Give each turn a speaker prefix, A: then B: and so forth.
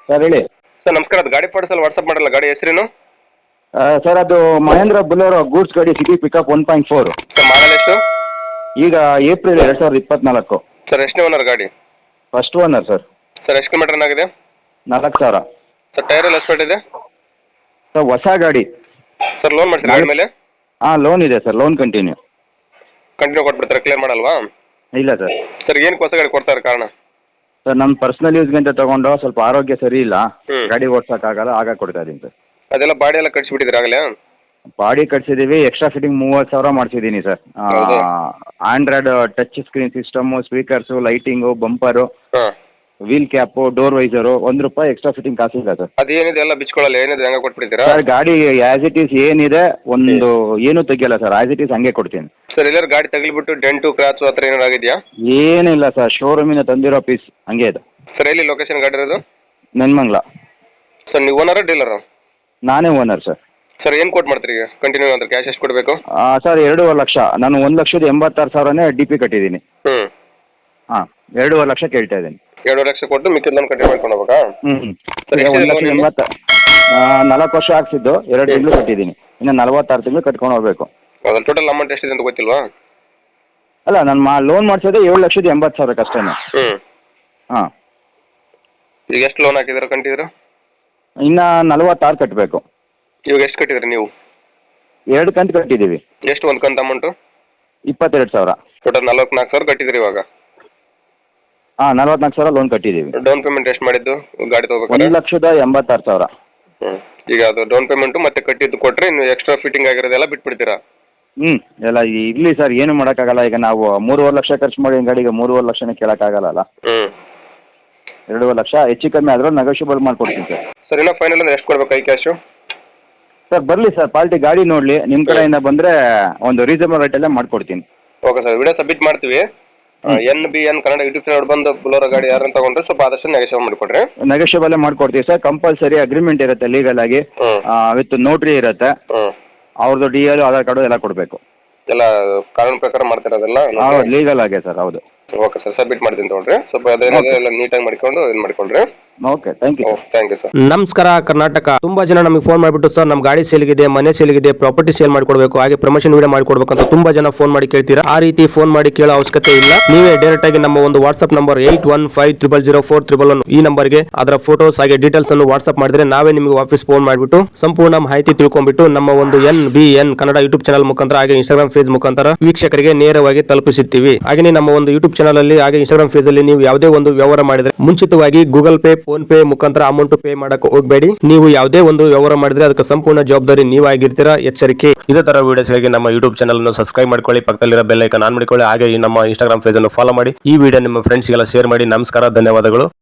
A: Sir ಹೇಳಿ.
B: Sir ನಮಸ್ಕಾರ, ಅದು ಗಾಡಿ ಫೋಟೋಸಲ್ಲಿ ವಾಟ್ಸಪ್ ಮಾಡಲ್ಲ, ಗಾಡಿ ಹೆಸರೇನು?
A: ಸರ್ ಅದು ಮಹೇಂದ್ರ ಬುಲೋರೋ ಗೂಡ್ಸ್ ಗಾಡಿ ಸಿಟಿ ಪಿಕಪ್ 1.4.
B: ಸರ್ ಮಾಡಲ್ ಎಷ್ಟು?
A: ಈಗ ಏಪ್ರಿಲ್ 2024.
B: ಸರ್ ಎಷ್ಟನೇ ಓನರ್ ಗಾಡಿ?
A: First owner sir.
B: ಸರ್ ಎಷ್ಟು ಕಿಲೋಮೀಟರ್ ಆಗಿದೆ?
A: 4,000.
B: ಸರ್ ಟೈರ್ ಎಲ್ಲ ಎಸ್ಪೆಟ್ ಇದೆ?
A: ಸರ್ ಹೊಸ ಗಾಡಿ.
B: ಸರ್ ಲೋನ್ ಮಾಡ್ತೀರಾ ಗಾಡಿ ಮೇಲೆ?
A: ಹಾಂ ಲೋನ್ ಇದೆ ಸರ್, ಲೋನ್ ಕಂಟಿನ್ಯೂ
B: ಕೊಟ್ಬಿಡ್ತಾರೆ, ಕ್ಲಿಯರ್ ಮಾಡಲ್ವಾ?
A: ಇಲ್ಲ ಸರ್.
B: ಸರ್ ಏನಕ್ಕೆ ಹೊಸ ಗಾಡಿ ಕೊಡ್ತಾರೆ ಕಾರಣ?
A: ಸರ್ ನಮ್ಮ ಪರ್ಸನಲ್ ಯೂಸ್ಗೆ ಅಂತ ತೊಗೊಂಡು ಸ್ವಲ್ಪ ಆರೋಗ್ಯ ಸರಿ ಇಲ್ಲ,
B: ಹ್ಮ್.
A: ಗಾಡಿ ಓಡ್ಸೋಕ್ಕಾಗಲ್ಲ, ಆಗ ಕೊಡ್ತಾ ಇದ್ದೀನಿ ಸರ್.
B: ಅದೆಲ್ಲ ಬಾಡಿ ಎಲ್ಲ ಕಟ್ಸಿಬಿಟ್ಟಿದ್ದೀರಾ ಆಗಲೇ?
A: ಬಾಡಿ ಕಟ್ಸಿದ್ದೀವಿ, ಎಕ್ಸ್ಟ್ರಾ ಫಿಟ್ಟಿಂಗ್ 30,000 ಮಾಡಿಸಿದ್ದೀನಿ ಸರ್.
B: ಹೌದಾ?
A: Android touch screen system, speakers, lighting, bumper,
B: ಹಾಂ.
A: Wheel cap, door visor, ₹1 extra fitting ಕಾಸಿಲ್ಲ ಸರ್.
B: ಅದೇನಿದೆ ಎಲ್ಲ ಬಿಚ್ಕೊಳ್ಳಲ್ಲ, ಏನಿದೆ ಹಂಗೆ ಕೊಟ್ಬಿಡ್ತೀರಾ?
A: ಸರ್ ಗಾಡಿ ಆಸ್ ಇಟ್ ಈಸ್ ಏನಿದೆ ಒಂದು ಏನು ತೆಗಿಯಲ್ಲ ಸರ್, ಆಸ್ ಇಟ್ ಈಸ್ ಹಂಗೆ ಕೊಡ್ತೀನಿ.
B: ಸರ್ ಎಲ್ಲರೂ ಗಾಡಿ ತಗಲಿಬಿಟ್ಟು ಡೆಂಟು ಕ್ರಾಚು ಆ ಥರ ಏನಾರು ಆಗಿದೆಯಾ?
A: ಏನಿಲ್ಲ ಸರ್, ಶೋರೂಮಿನ ತಂದಿರೋ ಪೀಸ್ ಹಂಗೆ ಇದೆ.
B: ಸರ್ ಎಲ್ಲಿ ಲೊಕೇಶನ್ ಗಾಡಿ ಇರೋದು?
A: ನೆನ್ಮಂಗ್ಲ.
B: ಸರ್ ನೀವು ಓನರಾ ಡೀಲರಾ?
A: ನಾನೇ ಓನರ್ ಸರ್.
B: ಸರ್ ಏನು ಕೊಟ್ಟು ಮಾಡ್ತೀರಿ ಈಗ ಕಂಟಿನ್ಯೂ ಅಂದ್ರೆ ಕ್ಯಾಶ್ ಎಷ್ಟು ಕೊಡಬೇಕು?
A: ಸರ್ 2.5 ಲಕ್ಷ. ನಾನು 1,86,000ನೇ DP ಕಟ್ಟಿದ್ದೀನಿ.
B: ಹ್ಞೂ.
A: ಹಾಂ 2.5 ಲಕ್ಷ ಕೇಳ್ತಾ ಇದ್ದೀನಿ.
B: 2.5 ಲಕ್ಷ ಕೊಟ್ಟು ಮಿಕ್ಕಿದ ಲೋನ್ ಕಂಟಿನ್ಯೂ ಮಾಡ್ಕೊಂಡು ಹೋಗ್ಬೇಕಾ? ಸರ್
A: ಈಗ
B: ಎಷ್ಟಿದೆ
A: 1,80,000. 4 ವರ್ಷ ಹಾಕ್ಸಿದ್ದು 2 ತಿಂಗಳು ಕಟ್ಟಿದ್ದೀನಿ, ಇನ್ನು 46 ತಿಂಗಳು ಕಟ್ಕೊಂಡು ಹೋಗ್ಬೇಕು.
B: ಹೌದಾ? ಟೋಟಲ್ ಅಮೌಂಟ್ ಎಷ್ಟಿದೆ ಅಂತ ಗೊತ್ತಿಲ್ವಾ?
A: ಅಲ್ಲ ನಾನು ಲೋನ್ ಮಾಡಿಸೋದೇ 7,80,000 ಅಷ್ಟೇ.
B: ಹ್ಞೂ.
A: ಹಾಂ.
B: ಈಗ ಎಷ್ಟು ಲೋನ್ ಹಾಕಿದ್ದೀರಾ ಕಂಟಿದ್ದೀರಾ?
A: ಇನ್ನು 46 ಕಟ್ಟಬೇಕು.
B: ಇವಾಗ ಎಷ್ಟು ಕಟ್ಟಿದ್ರಿ ನೀವು?
A: 2 ಕಂತು ಕಟ್ಟಿದ್ದೀವಿ.
B: ಎಷ್ಟು ಒಂದು ಕಂತು ಅಮೌಂಟು?
A: 22,000.
B: ಟೋಟಲ್ 44,000 ಕಟ್ಟಿದ್ರಿ ಇವಾಗ?
A: ಹಾಂ 44,000 ಲೋನ್ ಕಟ್ಟಿದ್ದೀವಿ.
B: ಡೌನ್ ಪೇಮೆಂಟ್ ಎಷ್ಟು ಮಾಡಿದ್ದು ಗಾಡಿ ತೊಗೋಬೇಕಾದ್ರೆ?
A: 1,86,000.
B: ಹ್ಞೂ. ಈಗ ಅದು ಡೌನ್ ಪೇಮೆಂಟು ಮತ್ತೆ ಕಟ್ಟಿದ್ದು ಕೊಟ್ಟರೆ ಇನ್ನು ಎಕ್ಸ್ಟ್ರಾ ಫಿಟ್ಟಿಂಗ್ ಆಗಿರೋದೆಲ್ಲ ಬಿಟ್ಬಿಡ್ತೀರಾ?
A: ಎಲ್ಲ ಇರಲಿ ಸರ್, ಏನು ಮಾಡೋಕ್ಕಾಗಲ್ಲ. ಈಗ ನಾವು 3.5 ಲಕ್ಷ ಖರ್ಚು ಮಾಡಿ ಗಾಡಿಗೆ 3.5 ಲಕ್ಷನೇ ಕೇಳೋಕ್ಕಾಗಲ್ಲ.
B: ಹ್ಞೂ.
A: 2.5 ಲಕ್ಷ ಹೆಚ್ಚು ಕಮ್ಮಿ ಆದರೂ ನೆಗೋಷಿಯಬಲ್ ಮಾಡ್ಕೊಡ್ತೀನಿ ಸರ್.
B: ಸರ್ ಇನ್ನೂ ಫೈನಲ್ ಅಂದ್ರೆ ಎಷ್ಟು ಕೊಡ್ಬೇಕು ಐ ಕ್ಯಾಶು?
A: ಸರ್ ಬರಲಿ ಸರ್, ಪಾರ್ಟಿ ಗಾಡಿ ನೋಡಲಿ, ನಿಮ್ಮ ಕಡೆಯಿಂದ ಬಂದರೆ ಒಂದು ರೀಸನಬಲ್ ರೇಟಲ್ಲೇ ಮಾಡಿಕೊಡ್ತೀನಿ.
B: ಓಕೆ ಸರ್, ವಿಡಿಯೋ ಸಬ್ಮಿಟ್ ಮಾಡ್ತೀವಿ. NBN ಕನ್ನಡ ಯೂಟ್ಯೂಬ್ ಚಾನಲ್ ಬಂದು ಬುಲೋರೋ ಗಾಡಿ ಯಾರನ್ನು ತಗೊಂಡ್ರೆ ಸ್ವಲ್ಪ ಆದಷ್ಟು ನೆಗೋಷಿಯೇಟ್ ಮಾಡಿಕೊಡ್ರಿ.
A: ನೆಗೋಷಿಯಬಲ್ಲೇ ಮಾಡ್ಕೊಡ್ತೀವಿ ಸರ್. ಕಂಪಲ್ಸರಿ ಅಗ್ರಿಮೆಂಟ್ ಇರುತ್ತೆ ಲೀಗಲ್ ಆಗಿ, ವಿತ್ ನೋಟ್ರಿ ಇರುತ್ತೆ. ಅವ್ರದ್ದು DL ಆಧಾರ್ ಕಾರ್ಡು ಎಲ್ಲ ಕೊಡಬೇಕು.
B: ಎಲ್ಲ ಕಾನೂನು ಪ್ರಕಾರ ಮಾಡ್ತಿರೋದೆಲ್ಲ?
A: ಹೌದು, ಲೀಗಲ್ ಆಗಿ ಸರ್. ಹೌದು.
B: ಓಕೆ ಸರ್, ಸಬ್ಮಿಟ್ ಮಾಡ್ತೀನಿ ತೊಗೊಳ್ರಿ. ಸ್ವಲ್ಪ ಅದೇನಿದೆ ಎಲ್ಲ ನೀಟಾಗಿ ಮಾಡಿಕೊಂಡು ಇದು ಮಾಡಿಕೊಳ್ರಿ.
A: Okay, thank you.
B: Thank you sir.
C: ನಮಸ್ಕಾರ ಕರ್ನಾಟಕ. ತುಂಬಾ ಜನ ನಮಗೆ ಫೋನ್ ಮಾಡಿಬಿಟ್ಟು ಸರ್ ನಮ್ಮ ಗಾಡಿ ಸೇಲ್ಗಿದೆ, ಮನೆ ಸೇಲ್ಗಿದೆ, ಪ್ರಾಪರ್ಟಿ ಸೇಲ್ ಮಾಡ್ಕೊಡ್ಬೇಕು, ಹಾಗೆ ಪ್ರಮೋಷನ್ ವಿಡಿಯೋ ಮಾಡ್ಕೊಡ್ಬೇಕು ಅಂತ ತುಂಬಾ ಜನ ಫೋನ್ ಮಾಡಿ ಕೇಳ್ತೀರಾ. ಆ ರೀತಿ ಫೋನ್ ಮಾಡಿ ಕೇಳೋ ಅವಶ್ಯಕತೆ ಇಲ್ಲ. ನೀವೇ ಡೈರೆಕ್ಟ್ ಆಗಿ ನಮ್ಮ ಒಂದು ವಾಟ್ಸ್ಆಪ್ ನಂಬರ್ 81500411 ಈ ನಂಬರ್ಗೆ ಅದರ ಫೋಟೋಸ್ ಹಾಗೆ ಡೀಟೇಲ್ಸ್ ಅನ್ನು ವಾಟ್ಸ್ಆಪ್ ಮಾಡಿದ್ರೆ ನಾವೇ ನಿಮಗೆ ವಾಪಸ್ ಫೋನ್ ಮಾಡಿಬಿಟ್ಟು ಸಂಪೂರ್ಣ ಮಾಹಿತಿ ತಿಳ್ಕೊಂಡ್ಬಿಟ್ಟು ನಮ್ಮ ಒಂದು NBN ಕನ್ನಡ ಯೂಟ್ಯೂಬ್ ಚಾನಲ್ ಮುಖಾಂತರ ಹಾಗೆ ಇನ್ಸ್ಟಾಗ್ರಾಮ್ ಪೇಜ್ ಮುಖಾಂತರ ವೀಕ್ಷಕರಿಗೆ ನೇರವಾಗಿ ತಲುಪಿಸುತ್ತೀವಿ. ಹಾಗೆ ನಮ್ಮ ಒಂದು ಯೂಟ್ಯೂಬ್ ಚಾನಲ್ ಅಲ್ಲಿ ಹಾಗೆ ಇನ್ಸ್ಟಾಗ್ರಾಮ್ ಪೇಜ್ ಅಲ್ಲಿ ನೀವು ಯಾವುದೇ ಒಂದು ವ್ಯವಹಾರ ಮಾಡಿದ್ರೆ ಮುಂಚಿತವಾಗಿ ಗೂಗಲ್ ಪೇ, ಫೋನ್ ಪೇ ಮುಖಾಂತರ ಅಮೌಂಟ್ ಪೇ ಮಾಡಕ್ಕೆ ಹೋಗಬೇಡಿ. ನೀವು ಯಾವುದೇ ಒಂದು ವ್ಯವಹಾರ ಮಾಡಿದ್ರೆ ಅದಕ್ಕೆ ಸಂಪೂರ್ಣ ಜವಾಬ್ದಾರಿ ನೀವಾಗಿರ್ತೀರಾ, ಎಚ್ಚರಿಕೆ. ಇದೇ ತರ ವಿಡಿಯೋಸ್ಗಾಗಿ ನಮ್ಮ ಯೂಟ್ಯೂಬ್ ಚಾನಲ್ ಅನ್ನು ಸಬ್ಸ್ಕ್ರೈಬ್ ಮಾಡ್ಕೊಳ್ಳಿ, ಪಕ್ಕದಲ್ಲಿರೋ ಬೆಲ್ ಐಕಾನ್ ಆನ್ ಮಾಡಿಕೊಳ್ಳಿ, ಹಾಗೆ ಈ ನಮ್ಮ ಇನ್ಸ್ಟಾಗ್ರಾಮ್ ಪೇಜ್ ಅನ್ನು ಫಾಲೋ ಮಾಡಿ. ಈ ವಿಡಿಯೋ ನಿಮ್ಮ ಫ್ರೆಂಡ್ಸ್ಗೆಲ್ಲ ಶೇರ್ ಮಾಡಿ. ನಮಸ್ಕಾರ, ಧನ್ಯವಾದಗಳು.